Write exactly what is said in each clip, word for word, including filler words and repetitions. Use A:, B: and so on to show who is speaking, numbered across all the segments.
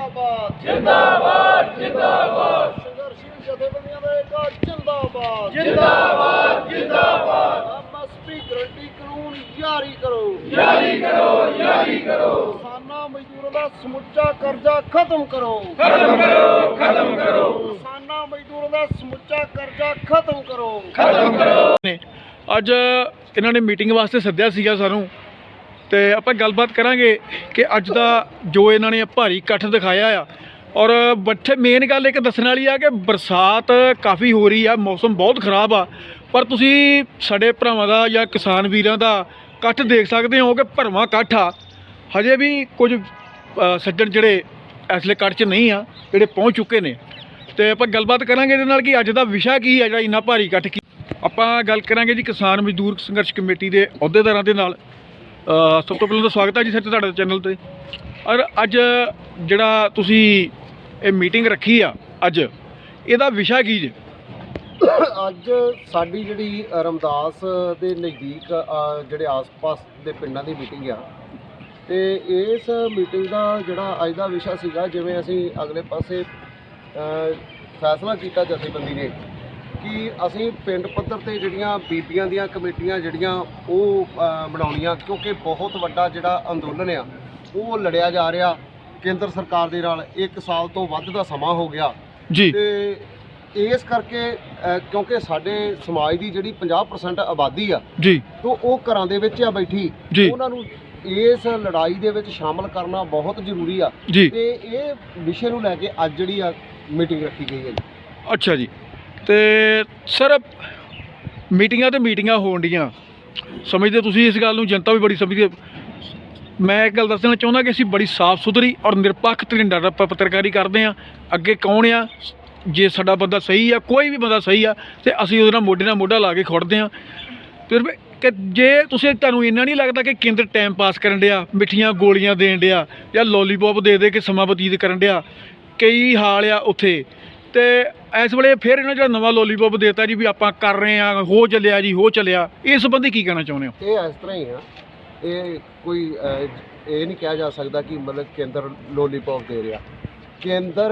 A: जिंदाबाद जिंदाबाद जिंदाबाद संघर्षशील जथेबंदियां दा एक जिंदाबाद जिंदाबाद जिंदाबाद एमएसपी गारंटी कानून जारी करो जारी करो जारी करो किसानां मजदूरां दा समुच्चा कर्जा खत्म करो खत्म करो खत्म करो किसानां मजदूरां दा समुच्चा कर्जा खत्म करो खत्म करो।
B: ਅੱਜ ਇਹਨਾਂ ਨੇ ਮੀਟਿੰਗ ਵਾਸਤੇ ਸੱਦਿਆ ਸੀਗਾ ਸਾਨੂੰ ਤੇ ਆਪਾਂ ਗੱਲਬਾਤ ਕਰਾਂਗੇ ਕਿ ਅੱਜ ਦਾ ਜੋ ਇਹਨਾਂ ਨੇ ਭਾਰੀ ਇਕੱਠ ਦਿਖਾਇਆ ਆ ਔਰ ਬੱਠੇ ਮੇਨ ਗੱਲ ਇੱਕ ਦੱਸਣ ਵਾਲੀ ਆ ਕਿ ਬਰਸਾਤ ਕਾਫੀ ਹੋ ਰਹੀ ਆ, ਮੌਸਮ ਬਹੁਤ ਖਰਾਬ ਆ, ਪਰ ਤੁਸੀਂ ਸਾਡੇ ਭਰਾਵਾਂ ਦਾ ਜਾਂ ਕਿਸਾਨ ਵੀਰਾਂ ਦਾ ਇਕੱਠ ਦੇਖ ਸਕਦੇ ਹੋ ਕਿ ਭਰਵਾਂ ਇਕੱਠ ਆ। ਹਜੇ ਵੀ ਕੁਝ ਸੱਜਣ ਜਿਹੜੇ ਇਸ ਵੇਲੇ ਇਕੱਠ 'ਚ ਨਹੀਂ ਆ, ਜਿਹੜੇ ਪਹੁੰਚ ਚੁੱਕੇ ਨੇ ਤੇ ਆਪਾਂ ਗੱਲਬਾਤ ਕਰਾਂਗੇ ਇਹਦੇ ਨਾਲ ਕਿ ਅੱਜ ਦਾ ਵਿਸ਼ਾ ਕੀ ਹੈ ਜਿਹੜਾ ਇੰਨਾ ਭਾਰੀ ਇਕੱਠ ਕੀ। ਆਪਾਂ ਗੱਲ ਕਰਾਂਗੇ ਜੀ ਕਿਸਾਨ ਮਜ਼ਦੂਰ ਸੰਘਰਸ਼ ਕਮੇਟੀ ਦੇ ਅਹੁਦੇਦਾਰਾਂ ਦੇ ਨਾਲ। ਸਭ ਤੋਂ ਪਹਿਲਾਂ ਤਾਂ ਸਵਾਗਤ ਹੈ ਜੀ ਸਰ ਤੁਹਾਡੇ ਚੈਨਲ 'ਤੇ। ਔਰ ਅੱਜ ਜਿਹੜਾ ਤੁਸੀਂ ਇਹ ਮੀਟਿੰਗ ਰੱਖੀ ਆ ਅੱਜ, ਇਹਦਾ ਵਿਸ਼ਾ ਕੀ ਜੀ?
A: ਅੱਜ ਸਾਡੀ ਜਿਹੜੀ ਰਮਦਾਸ ਦੇ ਨਜ਼ਦੀਕ ਜਿਹੜੇ ਆਸ-ਪਾਸ ਦੇ ਪਿੰਡਾਂ ਦੀ ਮੀਟਿੰਗ ਆ ਤੇ ਇਸ ਮੀਟਿੰਗ ਦਾ ਜਿਹੜਾ ਅੱਜ ਦਾ ਵਿਸ਼ਾ ਸੀਗਾ, ਜਿਵੇਂ ਅਸੀਂ ਅਗਲੇ ਪਾਸੇ ਫੈਸਲਾ ਕੀਤਾ ਜਥੇਬੰਦੀ ਨੇ ਕਿ ਅਸੀਂ ਪਿੰਡ ਪੱਧਰ ਤੇ ਜਿਹੜੀਆਂ ਬੀਬੀਆਂ ਦੀਆਂ ਕਮੇਟੀਆਂ ਜਿਹੜੀਆਂ ਉਹ ਬਣਾਉਣੀਆਂ, ਕਿਉਂਕਿ ਬਹੁਤ ਵੱਡਾ ਜਿਹੜਾ ਅੰਦੋਲਨ ਆ ਉਹ ਲੜਿਆ ਜਾ ਰਿਹਾ ਕੇਂਦਰ ਸਰਕਾਰ ਦੇ ਨਾਲ। ਇੱਕ ਸਾਲ ਤੋਂ ਵੱਧ ਦਾ ਸਮਾਂ ਹੋ ਗਿਆ
B: ਜੀ
A: ਤੇ ਇਸ ਕਰਕੇ ਕਿਉਂਕਿ ਸਾਡੇ ਸਮਾਜ ਦੀ ਜਿਹੜੀ ਪੰਜਾਹ ਪਰਸੈਂਟ ਆਬਾਦੀ ਆ
B: ਜੀ
A: ਤੋਂ ਉਹ ਘਰਾਂ ਦੇ ਵਿੱਚ ਆ ਬੈਠੀ, ਉਹਨਾਂ ਨੂੰ ਇਸ ਲੜਾਈ ਦੇ ਵਿੱਚ ਸ਼ਾਮਲ ਕਰਨਾ ਬਹੁਤ ਜ਼ਰੂਰੀ ਆ ਤੇ ਇਹ ਵਿਸ਼ੇ ਨੂੰ ਲੈ ਕੇ ਅੱਜ ਜਿਹੜੀ ਆ ਮੀਟਿੰਗ ਰੱਖੀ ਗਈ ਹੈ ਜੀ।
B: ਅੱਛਾ ਜੀ। ਤੇ ਸਰ ਮੀਟਿੰਗਾਂ ਤੇ ਮੀਟਿੰਗਾਂ ਹੋਣ ਡੀਆਂ, ਸਮਝਦੇ ਤੁਸੀਂ ਇਸ ਗੱਲ ਨੂੰ, ਜਨਤਾ ਵੀ ਬੜੀ ਸਮਝਦੀ। ਮੈਂ ਇੱਕ ਗੱਲ ਦੱਸਣਾ ਚਾਹੁੰਦਾ ਕਿ ਅਸੀਂ ਬੜੀ ਸਾਫ਼ ਸੁਥਰੀ ਔਰ ਨਿਰਪੱਖ ਤਰੀਕੇ ਨਾਲ ਪੱਤਰਕਾਰੀ ਕਰਦੇ ਹਾਂ। ਅੱਗੇ ਕੌਣ ਆ, ਜੇ ਸਾਡਾ ਬੰਦਾ ਸਹੀ ਆ, ਕੋਈ ਵੀ ਬੰਦਾ ਸਹੀ ਆ ਤੇ ਅਸੀਂ ਉਹਦੇ ਨਾਲ ਮੋਢੇ ਨਾਲ ਮੋਢਾ ਲਾ ਕੇ ਖੜਦੇ ਹਾਂ। ਫਿਰ ਕਿ ਜੇ ਤੁਸੀਂ ਤੁਹਾਨੂੰ ਇੰਨਾ ਨਹੀਂ ਲੱਗਦਾ ਕਿ ਕੇਂਦਰ ਟਾਈਮ ਪਾਸ ਕਰਨ ਡਿਆ, ਮਿੱਠੀਆਂ ਗੋਲੀਆਂ ਦੇਣ ਡਿਆ ਜਾਂ ਲੋਲੀਪੋਪ ਦੇ ਦੇ ਕੇ ਸਮਾਂ ਬਤੀਤ ਕਰਨ ਡਿਆ, ਕਈ ਹਾਲ ਆ ਉੱਥੇ, ਤੇ ਇਸ ਵੇਲੇ ਫਿਰ ਇਹਨਾਂ ਜਿਹੜਾ ਨਵਾਂ ਲੋਲੀਪੋਪ ਦੇਤਾ ਜੀ ਵੀ ਆਪਾਂ ਕਰ ਰਹੇ ਹਾਂ, ਹੋ ਚੱਲਿਆ ਜੀ ਹੋ ਚੱਲਿਆ, ਇਸ ਸੰਬੰਧੀ ਕੀ ਕਹਿਣਾ ਚਾਹੁੰਦੇ ਹੋ?
A: ਇਹ ਇਸ ਤਰ੍ਹਾਂ ਹੀ ਆ, ਇਹ ਕੋਈ ਇਹ ਨਹੀਂ ਕਿਹਾ ਜਾ ਸਕਦਾ ਕਿ ਮਤਲਬ ਕੇਂਦਰ ਲੋਲੀਪੋਪ ਦੇ ਰਿਹਾ। ਕੇਂਦਰ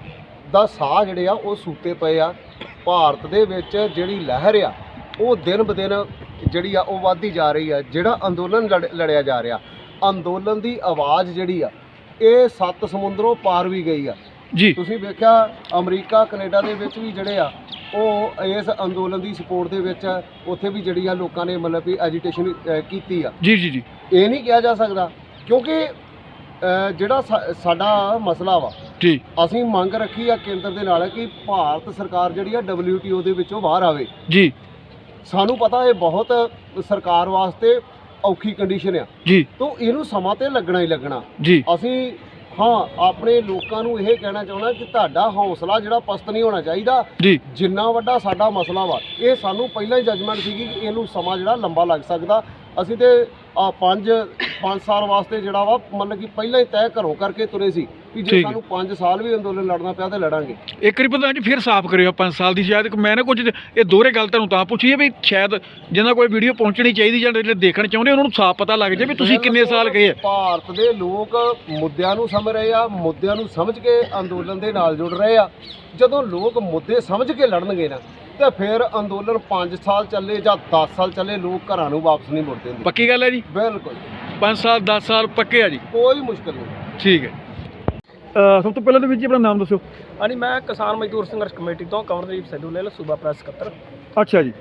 A: ਦਾ ਸਾਹ ਜਿਹੜੇ ਆ ਉਹ ਸੂਤੇ ਪਏ ਆ। ਭਾਰਤ ਦੇ ਵਿੱਚ ਜਿਹੜੀ ਲਹਿਰ ਆ ਉਹ ਦਿਨ ਬ ਦਿਨ ਜਿਹੜੀ ਆ ਉਹ ਵੱਧਦੀ ਜਾ ਰਹੀ ਆ। ਜਿਹੜਾ ਅੰਦੋਲਨ ਲੜ ਲੜਿਆ ਜਾ ਰਿਹਾ, ਅੰਦੋਲਨ ਦੀ ਆਵਾਜ਼ ਜਿਹੜੀ ਆ ਇਹ ਸੱਤ ਸਮੁੰਦਰੋਂ ਪਾਰ ਵੀ ਗਈ ਆ
B: ਜੀ।
A: ਤੁਸੀਂ ਵੇਖਿਆ ਅਮਰੀਕਾ ਕੈਨੇਡਾ ਦੇ ਵਿੱਚ ਵੀ ਜਿਹੜੇ ਆ ਉਹ ਇਸ ਅੰਦੋਲਨ ਦੀ ਸਪੋਰਟ ਦੇ ਵਿੱਚ ਉੱਥੇ ਵੀ ਜਿਹੜੀ ਆ ਲੋਕਾਂ ਨੇ ਮਤਲਬ ਵੀ ਐਜੀਟੇਸ਼ਨ ਕੀਤੀ ਆ।
B: ਜੀ ਜੀ ਜੀ
A: ਇਹ ਨਹੀਂ ਕਿਹਾ ਜਾ ਸਕਦਾ ਕਿਉਂਕਿ ਜਿਹੜਾ ਸਾਡਾ ਮਸਲਾ ਵਾ
B: ਜੀ,
A: ਅਸੀਂ ਮੰਗ ਰੱਖੀ ਆ ਕੇਂਦਰ ਦੇ ਨਾਲ ਕਿ ਭਾਰਤ ਸਰਕਾਰ ਜਿਹੜੀ ਆ ਡਬਲਿਊ ਟੀ ਓ ਦੇ ਵਿੱਚੋਂ ਬਾਹਰ ਆਵੇ
B: ਜੀ।
A: ਸਾਨੂੰ ਪਤਾ ਇਹ ਬਹੁਤ ਸਰਕਾਰ ਵਾਸਤੇ ਔਖੀ ਕੰਡੀਸ਼ਨ ਆ
B: ਜੀ,
A: ਤਾਂ ਇਹਨੂੰ ਸਮਾਂ ਤੇ ਲੱਗਣਾ ਹੀ ਲੱਗਣਾ
B: ਜੀ।
A: ਅਸੀਂ ਹਾਂ ਆਪਣੇ ਲੋਕਾਂ ਨੂੰ ਇਹ ਕਹਿਣਾ ਚਾਹੁੰਦਾ ਕਿ ਤੁਹਾਡਾ ਹੌਸਲਾ ਜਿਹੜਾ ਪਸਤ ਨਹੀਂ ਹੋਣਾ ਚਾਹੀਦਾ
B: ਜੀ।
A: ਜਿੰਨਾ ਵੱਡਾ ਸਾਡਾ ਮਸਲਾ ਵਾ ਇਹ ਸਾਨੂੰ ਪਹਿਲਾਂ ਹੀ ਜਜਮੈਂਟ ਸੀਗੀ ਕਿ ਇਹਨੂੰ ਸਮਾਂ ਜਿਹੜਾ ਲੰਬਾ ਲੱਗ ਸਕਦਾ। ਅਸੀਂ ਤੇ ਆ ਪੰਜ ਪੰਜ ਸਾਲ ਵਾਸਤੇ ਜਿਹੜਾ ਵਾ ਮਤਲਬ ਕਿ ਪਹਿਲਾਂ ਹੀ ਤੈਅ ਘਰੋਂ ਕਰਕੇ ਤੁਰੇ ਸੀ ਕਿ ਜੇ ਸਾਨੂੰ ਪੰਜ ਸਾਲ ਵੀ ਅੰਦੋਲਨ ਲੜਨਾ ਪਿਆ ਤਾਂ ਲੜਾਂਗੇ।
B: ਇੱਕ ਵਾਰੀ ਪ੍ਰਧਾਨ ਜੀ ਫਿਰ ਸਾਫ਼ ਕਰਿਓ ਪੰਜ ਸਾਲ ਦੀ। ਸ਼ਾਇਦ ਮੈਂ ਨਾ ਕੁਝ ਇਹ ਦੋਹਰੇ ਗੱਲ ਤੁਹਾਨੂੰ ਤਾਂ ਪੁੱਛੀ ਹੈ ਵੀ ਸ਼ਾਇਦ ਜਿਹਨਾਂ ਕੋਈ ਵੀਡੀਓ ਪਹੁੰਚਣੀ ਚਾਹੀਦੀ ਜਾਂ ਜਿਹੜੇ ਦੇਖਣ ਚਾਹੁੰਦੇ ਉਹਨਾਂ ਨੂੰ ਸਾਫ਼ ਪਤਾ ਲੱਗ ਜਾਏ ਵੀ ਤੁਸੀਂ ਕਿੰਨੇ ਸਾਲ ਗਏ ਆ।
A: ਭਾਰਤ ਦੇ ਲੋਕ ਮੁੱਦਿਆਂ ਨੂੰ ਸਮਝ ਰਹੇ ਆ, ਮੁੱਦਿਆਂ ਨੂੰ ਸਮਝ ਕੇ ਅੰਦੋਲਨ ਦੇ ਨਾਲ ਜੁੜ ਰਹੇ ਆ। ਜਦੋਂ ਲੋਕ ਮੁੱਦੇ ਸਮਝ ਕੇ ਲੜਨਗੇ ਨਾ ਤੇ ਫਿਰ ਅੰਦੋਲਨ ਪੰਜ ਸਾਲ ਚੱਲੇ ਜਾਂ ਦਸ ਸਾਲ ਚੱਲੇ, ਲੋਕ ਘਰਾਂ ਨੂੰ ਵਾਪਸ ਨਹੀਂ ਮੁੜਦੇ।
B: ਪੱਕੀ ਗੱਲ ਹੈ ਜੀ?
A: ਬਿਲਕੁਲ,
B: ਪੰਜ ਸਾਲ ਦਸ ਸਾਲ ਪੱਕੇ ਆ ਜੀ,
A: ਕੋਈ ਮੁਸ਼ਕਲ ਨਹੀਂ।
B: ਠੀਕ ਹੈ। ਸਭ ਤੋਂ ਪਹਿਲਾਂ ਤਾਂ ਵੀਰ ਜੀ ਆਪਣਾ ਨਾਮ ਦੱਸਿਓ।
C: ਹਾਂਜੀ, ਮੈਂ ਕਿਸਾਨ ਮਜ਼ਦੂਰ ਸੰਘਰਸ਼ ਕਮੇਟੀ ਤੋਂ ਕੰਵਰਦੀਪ ਸਿੱਧੂ ਲੈ ਸੂਬਾ ਪ੍ਰੈਸ ਸਕੱਤਰ।
B: ਅੱਛਾ ਜੀ।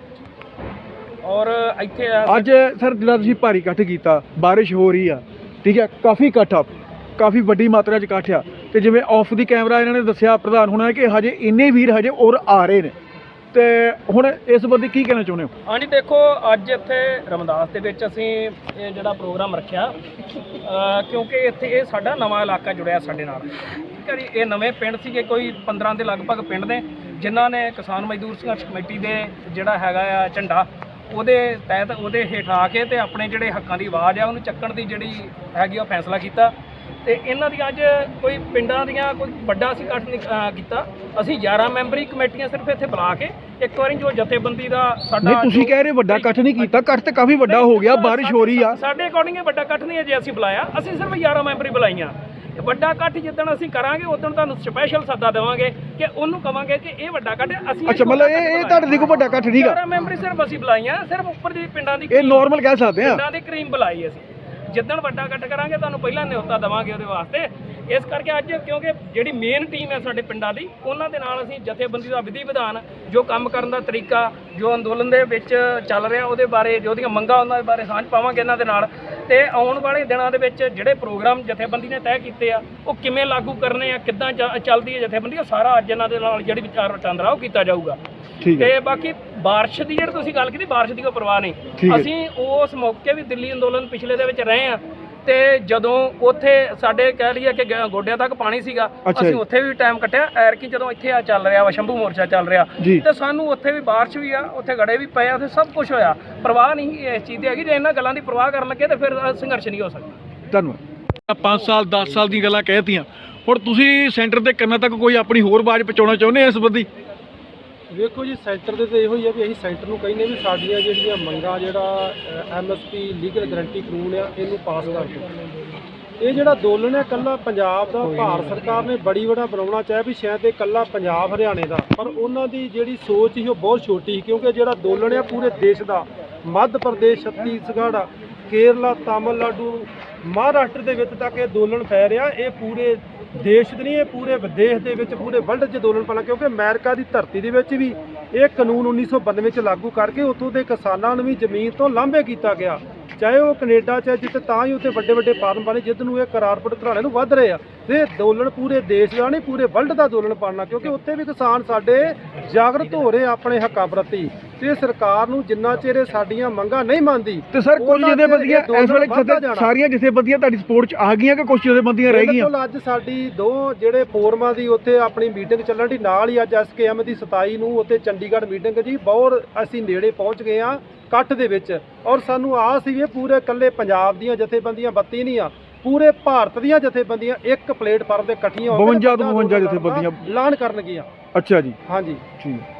C: ਔਰ ਇੱਥੇ
B: ਅੱਜ ਸਰ ਜਿਹੜਾ ਤੁਸੀਂ ਭਾਰੀ ਇਕੱਠ ਕੀਤਾ, ਬਾਰਿਸ਼ ਹੋ ਰਹੀ ਆ, ਠੀਕ ਹੈ, ਕਾਫੀ ਇਕੱਠ ਆ, ਕਾਫੀ ਵੱਡੀ ਮਾਤਰਾ 'ਚ ਇਕੱਠ ਆ, ਤੇ ਜਿਵੇਂ ਆਫ ਦੀ ਕੈਮਰਾ ਇਹਨਾਂ ਨੇ ਦੱਸਿਆ ਪ੍ਰਧਾਨ ਹੋਣਾ ਕਿ ਹਜੇ ਇੰਨੇ ਵੀਰ ਹਜੇ ਔਰ ਆ ਰਹੇ ਨੇ, ਤੇ ਹੁਣ ਇਸ ਸੰਬੰਧੀ ਕੀ ਕਹਿਣਾ ਚਾਹੁੰਦੇ ਹੋ?
C: ਹਾਂਜੀ ਦੇਖੋ, ਅੱਜ ਇੱਥੇ ਰਮਦਾਸ ਦੇ ਵਿੱਚ ਅਸੀਂ ਇਹ ਜਿਹੜਾ ਪ੍ਰੋਗਰਾਮ ਰੱਖਿਆ ਕਿਉਂਕਿ ਇੱਥੇ ਇਹ ਸਾਡਾ ਨਵਾਂ ਇਲਾਕਾ ਜੁੜਿਆ ਸਾਡੇ ਨਾਲ, ਠੀਕ ਹੈ ਜੀ। ਇਹ ਨਵੇਂ ਪਿੰਡ ਸੀਗੇ, ਕੋਈ ਪੰਦਰਾਂ ਦੇ ਲਗਭਗ ਪਿੰਡ ਨੇ ਜਿਨ੍ਹਾਂ ਨੇ ਕਿਸਾਨ ਮਜ਼ਦੂਰ ਸੰਘਰਸ਼ ਕਮੇਟੀ ਦੇ ਜਿਹੜਾ ਹੈਗਾ ਆ ਝੰਡਾ ਉਹਦੇ ਤਹਿਤ ਉਹਦੇ ਹੇਠ ਆ ਕੇ ਤੇ ਆਪਣੇ ਜਿਹੜੇ ਹੱਕਾਂ ਦੀ ਆਵਾਜ਼ ਆ ਉਹਨੂੰ ਚੱਕਣ ਦੀ ਜਿਹੜੀ ਹੈਗੀ ਉਹ ਫੈਸਲਾ ਕੀਤਾ। ਤੇ ਇਹਨਾਂ ਦੀ ਅੱਜ ਕੋਈ ਪਿੰਡਾਂ ਦੀਆਂ ਕੋਈ ਵੱਡਾ ਅਸੀਂ ਇਕੱਠ ਨਹੀਂ ਕੀਤਾ, ਅਸੀਂ ਗਿਆਰਾਂ ਮੈਂਬਰੀ ਕਮੇਟੀਆਂ ਸਿਰਫ ਇੱਥੇ ਬੁਲਾ ਕੇ ਇੱਕ ਵਾਰੀ ਜੋ ਜਥੇਬੰਦੀ ਦਾ ਸਾਡਾ।
B: ਨਹੀਂ ਤੁਸੀਂ ਕਹਿ ਰਹੇ ਵੱਡਾ ਇਕੱਠ ਨਹੀਂ ਕੀਤਾ, ਇਕੱਠ ਤੇ ਕਾਫੀ ਵੱਡਾ ਹੋ ਗਿਆ, ਬਾਰਿਸ਼ ਹੋ ਰਹੀ ਆ।
C: ਸਾਡੇ ਅਕੋਰਡਿੰਗ ਵੱਡਾ ਇਕੱਠ ਨਹੀਂ ਹੈ ਜੇ ਅਸੀਂ ਬੁਲਾਇਆ, ਅਸੀਂ ਸਿਰਫ ਗਿਆਰਾਂ ਮੈਂਬਰੀ ਬੁਲਾਈਆਂ। ਵੱਡਾ ਇਕੱਠ ਜਿੱਦਣ ਅਸੀਂ ਕਰਾਂਗੇ ਉਦੋਂ ਤੁਹਾਨੂੰ ਸਪੈਸ਼ਲ ਸੱਦਾ ਦੇਵਾਂਗੇ ਕਿ ਉਹਨੂੰ ਕਵਾਂਗੇ ਕਿ ਇਹ ਵੱਡਾ ਇਕੱਠ ਅਸੀਂ
B: ਅੱਛਾ ਮਤਲਬ ਇਹ ਇਹ ਤੁਹਾਡੇ ਦੀ ਕੋਈ ਵੱਡਾ ਇਕੱਠ ਨਹੀਂਗਾ।
C: ਗਿਆਰਾਂ ਮੈਂਬਰੀ ਸਿਰਫ ਅਸੀਂ ਬੁਲਾਈਆਂ, ਸਿਰਫ ਉੱਪਰ ਦੀ ਪਿੰਡਾਂ ਦੀ
B: ਇਹ ਨਾਰਮਲ ਕਹਿ ਸਕਦੇ ਆ,
C: ਪਿੰਡਾਂ ਦੀ ਕਰੀਮ ਬੁਲਾਈ ਅਸੀਂ। ਜਿੱਦਣ ਵੱਡਾ ਇਕੱਠ ਕਰਾਂਗੇ ਤੁਹਾਨੂੰ ਪਹਿਲਾਂ ਨਿਯੁਕਤਾ ਦੇਵਾਂਗੇ ਉਹਦੇ ਵਾਸਤੇ। ਇਸ ਕਰਕੇ ਅੱਜ ਕਿਉਂਕਿ ਜਿਹੜੀ ਮੇਨ ਟੀਮ ਹੈ ਸਾਡੇ ਪਿੰਡਾਂ ਦੀ, ਉਹਨਾਂ ਦੇ ਨਾਲ ਅਸੀਂ ਜਥੇਬੰਦੀ ਦਾ ਵਿਧੀ ਵਿਧਾਨ, ਜੋ ਕੰਮ ਕਰਨ ਦਾ ਤਰੀਕਾ, ਜੋ ਅੰਦੋਲਨ ਦੇ ਵਿੱਚ ਚੱਲ ਰਿਹਾ ਉਹਦੇ ਬਾਰੇ, ਜੋ ਉਹਦੀਆਂ ਮੰਗਾਂ ਉਹਨਾਂ ਦੇ ਬਾਰੇ ਸਾਂਝ ਪਾਵਾਂਗੇ ਇਹਨਾਂ ਦੇ ਨਾਲ। ਤੇ ਆਉਣ ਵਾਲੇ ਦਿਨਾਂ ਦੇ ਵਿੱਚ ਜਿਹੜੇ ਪ੍ਰੋਗਰਾਮ ਜਥੇਬੰਦੀ ਨੇ ਤੈਅ ਕੀਤੇ ਆ ਉਹ ਕਿਵੇਂ ਲਾਗੂ ਕਰਨੇ ਆ, ਕਿੱਦਾਂ ਚ- ਚੱਲਦੀ ਹੈ ਜਥੇਬੰਦੀ, ਉਹ ਸਾਰਾ ਅੱਜ ਇਹਨਾਂ ਦੇ ਨਾਲ ਜਿਹੜੀ ਵਿਚਾਰ ਵਟਾਂਦਰਾ ਉਹ ਕੀਤਾ ਜਾਊਗਾ।
B: ਠੀਕ ਹੈ।
C: ਤੇ ਬਾਕੀ ਬਾਰਿਸ਼ ਦੀ ਜਿਹੜੀ ਤੁਸੀਂ ਗੱਲ ਕੀਤੀ, ਬਾਰਿਸ਼ ਦੀ ਕੋਈ ਪਰਵਾਹ
B: ਠੀਕ
C: ਨਹੀਂ।
B: ਹੈ।
C: ਅਸੀਂ ਉਸ ਮੌਕੇ ਵੀ ਦਿੱਲੀ ਅੰਦੋਲਨ ਪਿਛਲੇ ਦੇ ਵਿੱਚ ਰਹੇ ਆ, ਤੇ ਜਦੋਂ ਉੱਥੇ ਸਾਡੇ ਕਹਿ ਲਈਏ ਕਿ ਗ- ਗੋਡਿਆਂ ਤੱਕ ਪਾਣੀ ਸੀਗਾ,
B: ਅੱਛਾ
C: ਅਸੀਂ
B: ਜੀ।
C: ਉੱਥੇ ਵੀ ਟਾਈਮ ਕੱਟਿਆ। ਐਰਕੀ ਜਦੋਂ ਇੱਥੇ ਆ ਚੱਲ ਰਿਹਾ ਵਾ ਸ਼ੰਭੂ ਮੋਰਚਾ ਚੱਲ ਰਿਹਾ,
B: ਜੀ।
C: ਤੇ ਸਾਨੂੰ ਉੱਥੇ ਵੀ ਬਾਰਿਸ਼ ਵੀ ਆ, ਉੱਥੇ ਗੜੇ ਵੀ ਪਏ ਆ, ਉੱਥੇ ਸਭ ਕੁਝ ਹੋਇਆ। ਪਰਵਾਹ ਨਹੀਂ ਇਸ ਚੀਜ਼ ਦੀ ਹੈਗੀ। ਜੇ ਇਹਨਾਂ ਗੱਲਾਂ ਦੀ ਪਰਵਾਹ ਕਰਨ ਲੱਗੇ ਤੇ ਫਿਰ ਸੰਘਰਸ਼ ਨਹੀਂ ਹੋ ਸਕਦਾ।
B: ਧੰਨਵਾਦ। ਪੰਜ ਸਾਲ ਦਸ ਸਾਲ ਦੀਆਂ ਗੱਲਾਂ ਕਹਿਤੀਆਂ, ਹੁਣ ਤੁਸੀਂ ਸੈਂਟਰ ਦੇ ਕੰਨਾਂ ਤੱਕ ਕੋਈ ਆਪਣੀ ਹੋਰ ਆਵਾਜ਼ ਪਹੁੰਚਾਉਣਾ ਚਾਹੁੰਦੇ ਆ ਇਸ ਸੰਬੰਧੀ?
D: ਵੇਖੋ ਜੀ, ਸੈਂਟਰ ਦੇ ਤਾਂ ਇਹੋ ਹੀ ਆ ਵੀ ਅਸੀਂ ਸੈਂਟਰ ਨੂੰ ਕਹਿੰਦੇ ਵੀ ਸਾਡੀਆਂ ਜਿਹੜੀਆਂ ਮੰਗਾਂ, ਜਿਹੜਾ M S P legal guarantee ਕਾਨੂੰਨ ਆ, ਇਹਨੂੰ ਪਾਸ ਕਰ ਦਿਓ। ਇਹ ਜਿਹੜਾ ਅੰਦੋਲਨ ਹੈ ਇਕੱਲਾ ਪੰਜਾਬ ਦਾ, ਭਾਰਤ ਸਰਕਾਰ ਨੇ ਬੜੀ ਵੱਡਾ ਬਣਾਉਣਾ ਚਾਹਿਆ ਵੀ ਸ਼ਾਇਦ ਇਹ ਇਕੱਲਾ ਪੰਜਾਬ ਹਰਿਆਣੇ ਦਾ, ਪਰ ਉਹਨਾਂ ਦੀ ਜਿਹੜੀ ਸੋਚ ਸੀ ਉਹ ਬਹੁਤ ਛੋਟੀ ਸੀ। ਕਿਉਂਕਿ ਜਿਹੜਾ ਅੰਦੋਲਨ ਹੈ ਪੂਰੇ ਦੇਸ਼ ਦਾ, ਮੱਧ ਪ੍ਰਦੇਸ਼, ਛੱਤੀਸਗੜ੍ਹ, ਕੇਰਲਾ, ਤਾਮਿਲਨਾਡੂ, ਮਹਾਰਾਸ਼ਟਰ ਦੇ ਵਿੱਚ ਤੱਕ ਇਹ ਅੰਦੋਲਨ ਫੈਲ ਰਿਹਾ। ਇਹ ਪੂਰੇ ਦੇਸ਼ ਦੇ ਨਹੀਂ, ਇਹ ਪੂਰੇ ਵਿਦੇਸ਼ ਦੇ ਵਿੱਚ, ਪੂਰੇ ਵਰਲਡ 'ਚ ਅੰਦੋਲਨ ਪਾਣਾ। ਕਿਉਂਕਿ ਅਮਰੀਕਾ ਦੀ ਧਰਤੀ ਦੇ ਵਿੱਚ ਵੀ ਇਹ ਕਾਨੂੰਨ ਉੱਨੀ ਸੌ ਬਾਨਵੇਂ 'ਚ ਲਾਗੂ ਕਰਕੇ ਉੱਥੋਂ ਦੇ ਕਿਸਾਨਾਂ ਨੂੰ ਵੀ ਜ਼ਮੀਨ ਤੋਂ ਲਾਂਭੇ ਕੀਤਾ ਗਿਆ, ਚਾਹੇ ਉਹ ਕੈਨੇਡਾ 'ਚ, ਜਿੱਥੇ ਤਾਂ ਹੀ ਉੱਥੇ ਵੱਡੇ ਵੱਡੇ ਫਾਰਮ ਬਣੇ ਜਿੱਦ ਨੂੰ ਇਹ ਕਰਾਰਪੁਰ ਘਰਾਣੇ ਨੂੰ ਵੱਧ ਰਹੇ ਆ। ਤੇ ਅੰਦੋਲਨ ਪੂਰੇ ਦੇਸ਼ ਦਾ ਨਹੀਂ, ਪੂਰੇ ਵਰਲਡ ਦਾ ਅੰਦੋਲਨ ਪਾਣਾ, ਕਿਉਂਕਿ ਉੱਥੇ ਵੀ ਕਿਸਾਨ ਸਾਡੇ ਜਾਗਰਤ ਹੋ ਰਹੇ ਆਪਣੇ ਹੱਕਾਂ ਪ੍ਰਤੀ। ਤੇ ਸਰਕਾਰ ਨੂੰ ਜਿੰਨਾ ਚਿਰ ਇਹ ਸਾਡੀਆਂ ਮੰਗਾਂ ਨਹੀਂ ਮੰਨਦੀ,
B: ਤੇ ਸਰ ਕੁਝ
D: ਉਹਨਾਂ ਚਿਰ
B: ਜਥੇਬੰਦੀਆਂ
D: ਇਹ
B: ਇਸ ਵੇਲੇ
D: ਵੱਧਦਾ
B: ਜਥੇ-
D: ਜਾਣਾ।
B: ਸਾਰੀਆਂ ਜਥੇਬੰਦੀਆਂ ਤੁਹਾਡੀ ਸਪੋਰਟ 'ਚ ਆ ਗਈਆਂ ਕਿ ਕੁਝ ਜਥੇਬੰਦੀਆਂ ਰਹਿ ਗਈਆਂ?
D: ਬਿਲਕੁਲ, ਅੱਜ ਸਾਡੀ ਦੋ ਜਿਹੜੇ ਫੋਰਮਾਂ ਦੀ ਉੱਥੇ ਆਪਣੀ ਮੀਟਿੰਗ ਚੱਲਣ ਦੀ, ਨਾਲ ਹੀ ਅੱਜ ਐਸ ਕੇ ਐਮ ਦੀ ਸਤਾਈ ਨੂੰ ਉੱਥੇ ਚੰਡੀਗੜ੍ਹ ਮੀਟਿੰਗ ਜੀ, ਬਹੁਤ ਅਸੀਂ ਨੇੜੇ ਪਹੁੰਚ ਗਏ ਆ ਇਕੱਠ ਦੇ ਵਿੱਚ। ਔਰ ਸਾਨੂੰ ਆਸ ਸੀ ਵੀ ਪੂਰੇ ਇਕੱਲੇ ਪੰਜਾਬ ਦੀਆਂ ਜਥੇਬੰਦੀਆਂ ਬੱਤੀ ਨਹੀਂ ਆ, ਪੂਰੇ ਭਾਰਤ ਦੀਆਂ ਜਥੇਬੰਦੀਆਂ ਇੱਕ ਪਲੇਟਫਾਰਮ ਤੇ ਇਕੱਠੀਆਂ ਹੋ ਕੇ
B: ਬਵੰਜਾ ਤੋਂ ਬਵੰਜਾ ਜਥੇਬੰਦੀਆਂ
D: ਐਲਾਨ ਕਰਨਗੀਆਂ।
B: ਅੱਛਾ ਜੀ,
D: ਹਾਂਜੀ।
B: ਠੀਕ।